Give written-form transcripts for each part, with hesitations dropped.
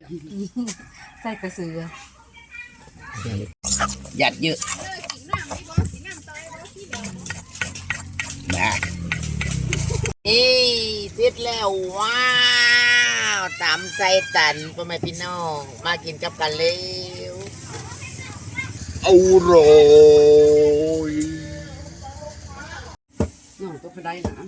ใส่กระสือหยัดเยอะนะเสร็จแล้วว้าวตำไส้ตันพ่อแม่พี่น้องมากินกับกันเร็วอร่อยน้องก็ไปได้นะ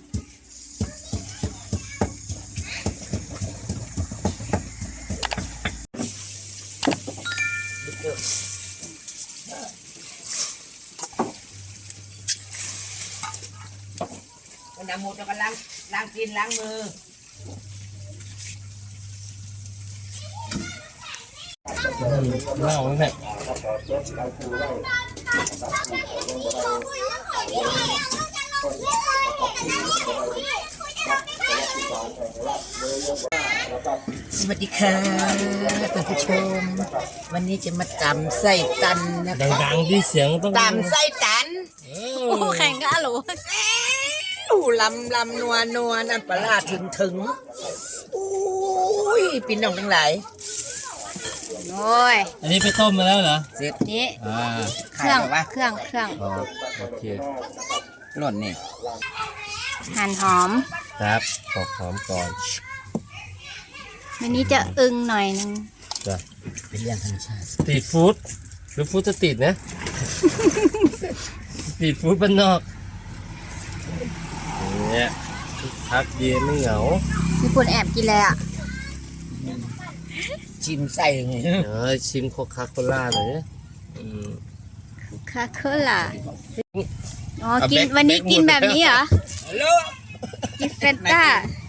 วันน้ำหมดแล้วก็ล้างกินล้างมือเล่าเนี่ยสวัสดีค่ะท่านผู้ชมวันนี้จะมาตำไส้ตันนะคะดังๆที่เสียงต้องตำไส้ตันโอ้แข่งกันหรอลำนัวน้ำปลาถึงอุ้ยปีน้องทั้งหลายโอ้ยอันนี้ไปต้มมาแล้วเหรอเสร็จนี่เครื่องโอเคหล่นนี่หั่นหอมครับขอหอมก่อนวันนี้จะอึ้งหน่อยนึงจ้ะเป็นเรื่องธรรมชาติสตรีทฟู้ดหรือฟู้ดสตรีทนะสตรีทฟู้ดบ้านนอกเนี่ยพักเย็นไม่เหงามีคนแอบกินเลยอ่ะชิมไส้ไงชิมโคคาโคล่าหน่อยคาโคล่าอ๋อกินวันนี้กินแบบนี้เหรอกินเฟนต้า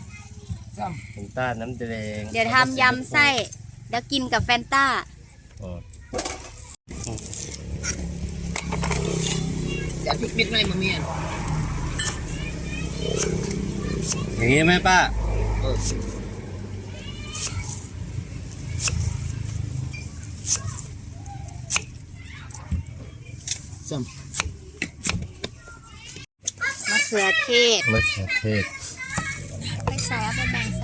น้ำแดงเดี๋ยวทำยำไส้แล้วกินกับแฟนต้าจะพริกมิดไหมมึงเนี่ยอย่างนี้ไหมป้ามะเขือเทศไปใส่เอาไปแบ่งใส่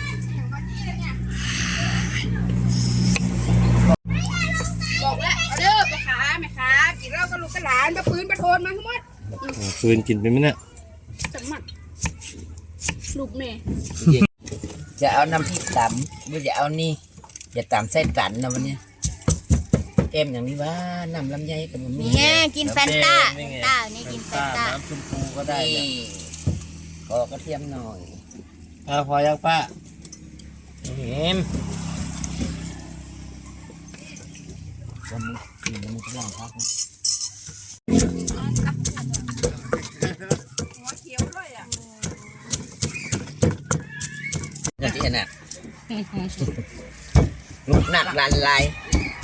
บอกแล้วเอาเด้อไปขาแม่ขากินเหล้ากับลูกกับหลานมาปืนมาโทนมาทั้งหมดฟืนกินไปไหมเนี่ยจังหมัดลูกแม่จะเอาน้ำพริกตำหรือจะเอานี่อย่าตำไส้ตันนะวันนี้เอ็มอย่างนี้ว่าน้ำลำไยกับมันนี่ไงกินแฟนต้านี่กินแฟนต้าน้ำชมพูก็ได้ขอกระเทียมหน่อยพอยังป้าเอ็มจะมึงกินมันจะล่างพักหัวเขียวด้วยอ่ะนี่ที่น่ะลูกหนักลันลาย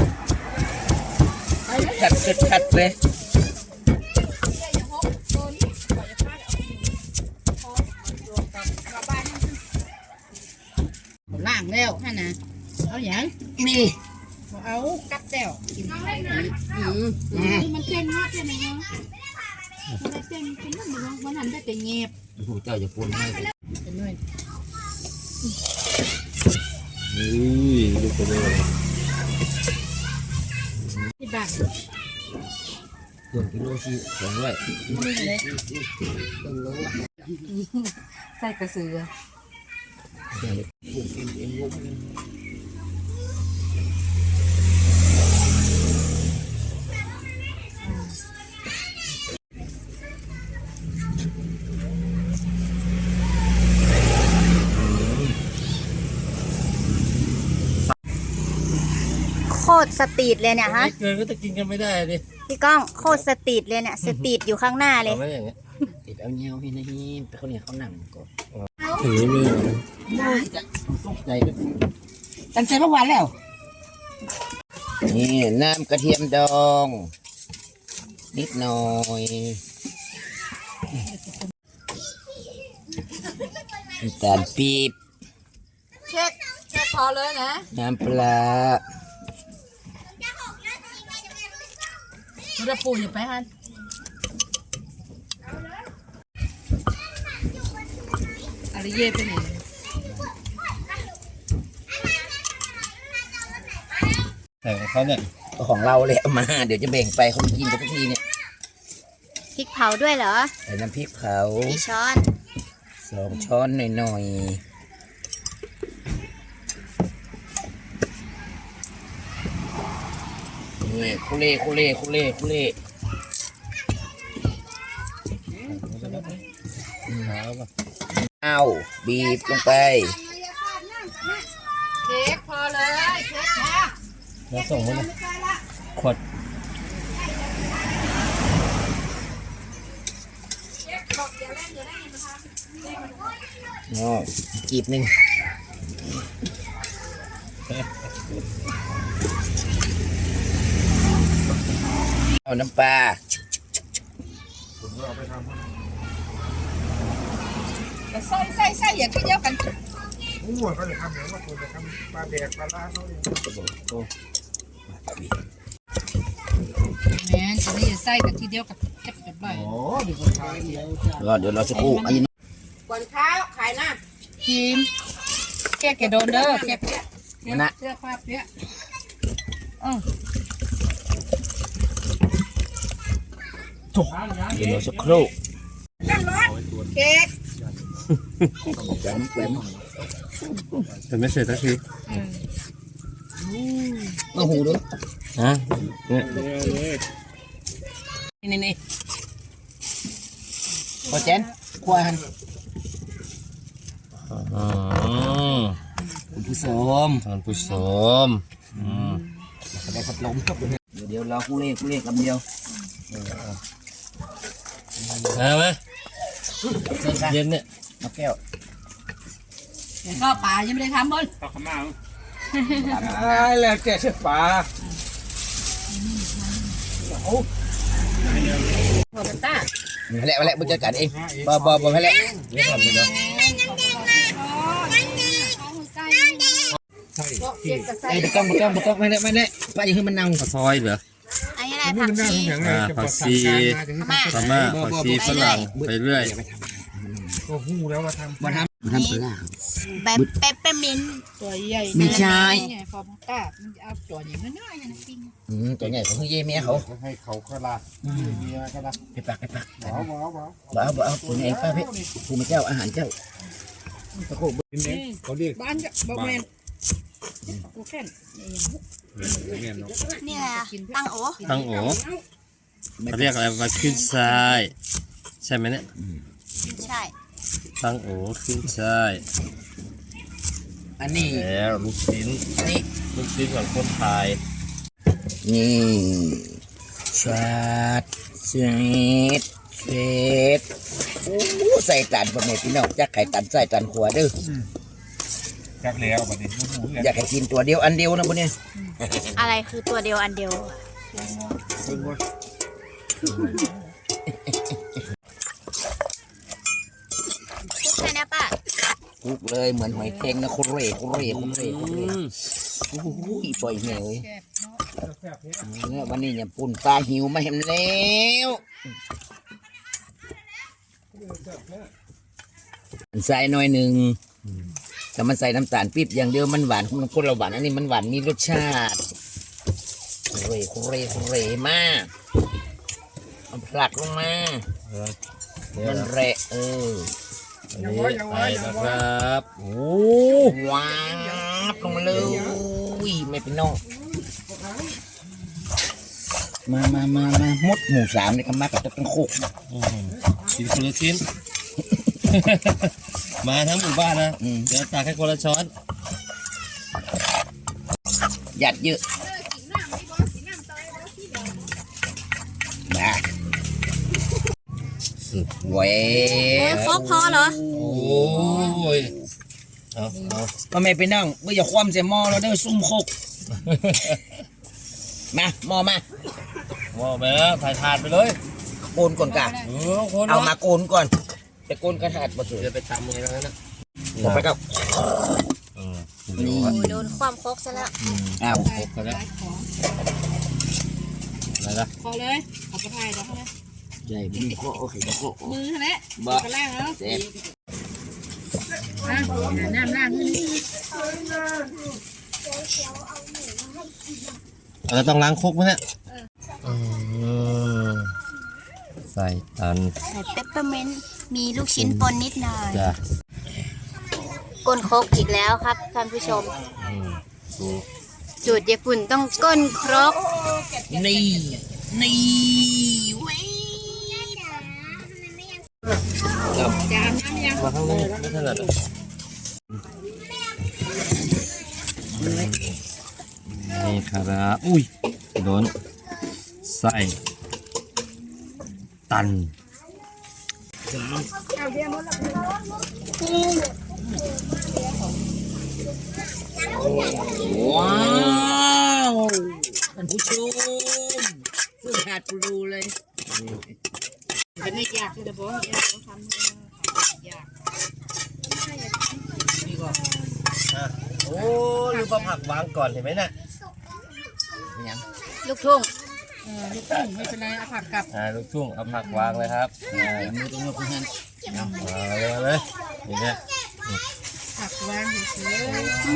ขัดเลยล่างแล้วฮะนะเอาอย่างนี่เอากัดแต้วกินมันเต้นมากเลยนะมันเต้นเป็นเรื่องมันทำได้แต่เงียบผู้เจ้าจะพูดให้เป็นด้วยลูกไปเลยที่บ้านกิโลสิ200 ใส่กระสือโคตรสตรีทเลยเนี่ยฮะเกินก็จะกินกันไม่ได้ดิพี่ก้องโคตรสตรีทเลยเนี่ยสตรีทอยู่ข้างหน้าเลยไม่อย่างเงี้ยติดเอาเงี้ยวพี่นะฮีแต่เขาเนี่ยเขาหนังก่อนถือมือจะตกใจกันตั้งใจเมื่อวานแล้วนี่น้ำกระเทียมดองนิดหน่อยน้ำตาลปี๊บเช็คพอเลยนะน้ำปลาเราปูอยู่ไปฮันอะไรเย่ไปไหนแต่ของเขาเนี่ยก็ของเราเลยเอามา เดี๋ยวจะแบ่งไปเขาไม่กินกันทุกทีเนี่ยพริกเผาด้วยเหรอใส่น้ำพริกเผากี่ช้อน 2 ช้อนหน่อยๆนี่คุเล่คุเล่คุเล่คุเล่ เอาบีบลงไปเค้กพอเลยเค้กค่ะแล้วส่งมาเลยขวดอ๋อกีบหนึ่งเอาน้ำปลาใส่อย่าขี้เดียวกันอู้ก็เลยทำเหมือนว่าคุณจะทำปลาแดกปลาล่าเขาเนี่ยแม่จะได้ใส่กันทีเดียวกับเก็บกันไปโอ้ดีคนไทยเดียวจ้ะรอเดี๋ยวเราจะกู้อันนี้ก่อนข้าวขายหน้าทีมเค้กแกโดนเด้อเค้กเสื้อผ้าเปียเดี๋ยวเราจะครู่เค้กจังแกมแต่ไม่เสร็จสักทีมาหูดูฮะเนี่ยนี่พอเจนควายหันอ๋อคุณผู้ชมท่านผู้ชมได้พัดลมครับเดี๋ยวเราคู่เล่คำเดียวเอาไหมเชิญค่ะเย็นเนี่ยมาแก้วเดี๋ยวก็ป่ายังไม่ได้ทำบนแล้วแกเชือกปลาพอกันต้ามาแล้วบุญจัดการเองบ่ให้แล้วเดี๋ยวทำไปเนาะใช่เค้กก็ใส่ไอ้บุต้องไม่ได้ป้าอย่าให้มันนั่งข้าวซอยเหรออันนี้อะไรนี่ผักมันน่าชีสงสารเลยจะผัปกดชีสั่งการมาถึงพม่าผักชีฝรั่งไปเรื่อยก็หู้แล้วว่าทำมาทำปลาแบบเปปเปอร์มินต์ตัวใหญ่ไม่ใช่พอต้ามันจะเอาตัวอย่างน้อยๆนะปิ้งตัวใหญ่ของเย่เมียเขาให้เขาก็ลาเมียก็ลาไปปักว้าวว้าวว้าวบ่เอาตัวใหญ่ป้าพี่ภูมิเจ้าอาหารเจ้าตะโกบกินเด็กเขาเรียกบ้านจะบ่แม่นกูแค่นเนี่ยเนาะนี่อะไรอะตั้งโอๆตั้งโอเขาเรียกอะไรมาขึ้นทรายใช่ไหมเนี่ยใช่ตั้งโอขึ้นทรายอันนี้แล้วลูกชิ้นอันนี้ลูกชิ้นของคนไทยนี่ชาดเสีดเศษโอ้ใส่ตันพ่อแม่พี่น้องจักไข่ตันใส่ตันขวเด้อจักแล้วบัดนี้หูอยากให้กินตัวเดียวอันเดียวนะพวกนี้อะไรคือตัวเดียวอันเดียวซึ่งว่าคลุกใช่ไหมป้าคุกเลยเหมือนหอยแครงนะโคเร่โอ้โหปล่อยแม่เลยเนี่ยวันนี้เนี่ยปุ่นปลาหิวมาเห็นแล้วใส่หน่อยหนึ่งแต่มันใส่น้ำตาลปี๊บอย่างเดียวมันหวานมันคนละหวานอันนี้มันหวานมีรสชาติโคเร่มากมันผลักลงมามันแระอันนี้ไปนะครับโอ้ว้าบลงมาเลยอุ้ยไม่เป็นนอกมาหมดหมู่3เลยครับมากับต้นโคกกินคนละชิ้น มาทั้งหมู่บ้านนะเดี๋ยวตักให้คนละช้อนหยัดเยอะมาเว้ยโอ้ยครบพอเหรอโอ้ยเอาก็ไม่เป็นนั่งเมื่ออย่าคว่ำใส่หม้อแล้วเด้อซุ่มโคกมาหม้อมาว่าไปแล้วถ่ายถาดไปเลยโกนก่อนกะคนเอามาโกนก่อนไปโกนกระถาดมาสวยจะไปทำยังไงแล้วนะต่อไปก็นี่โอ้ยโดนความครกซะแล้วอ้าวครบกันแล้วอะไรนะพอเลยเอาไปถ่ายแล้วนะใหญ่ดีโคโอเคโคมือแหละบ้ากระล่างแล้วเจ็บน้ำล่างนี่เราต้องล้างครกไหมเนี่ยใส่ตันใส่เปปเปอร์เมนต์มีลูกชิ้นปนนิดหน่อยจ้ะก้นครกอีกแล้วครับท่านผู้ชมดูจุดญี่ปุ่นต้องก้นครกนี่นี่เว้ยมาข้างนี้ไม่ถนัดนี่ครับอุ้ยโดนใส่ตันว้าวท่านผู้ชมสุดขาดปลูเลยเป็นไม่ยากเลยบอกยากต้องทำยากนี่ก็โอ้ลืมเอาผักวางก่อนเห็นไหมน่ะยังลูกทุ่งลูกตุ้งไม่เป็นไรเอาผักกลับลูกทุ่งเอาผักวางเลยครับมือตรงนี้เพื่อนมาเลยอย่างเงี้ยผักวางเฉย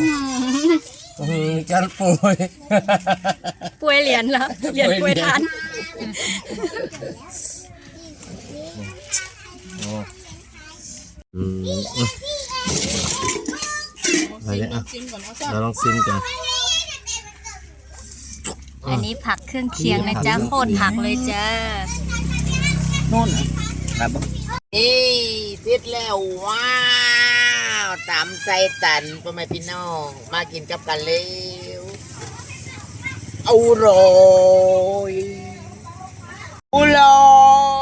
มีการป่วยป่วยเหรียญแล้วเหรียญป่วยทานอะไรเนี่ยๆกินก่อนเอาซะเราลองซิมกันอันนี้ผักเครื่องเคียงนะจ๊ะโคตรผักเลยจ้านู่นครับนี่เสร็จแล้วว้าวตำใส่ตันพ่อแม่พี่น้องมากินกับกันเร็วอร่อยอร่อย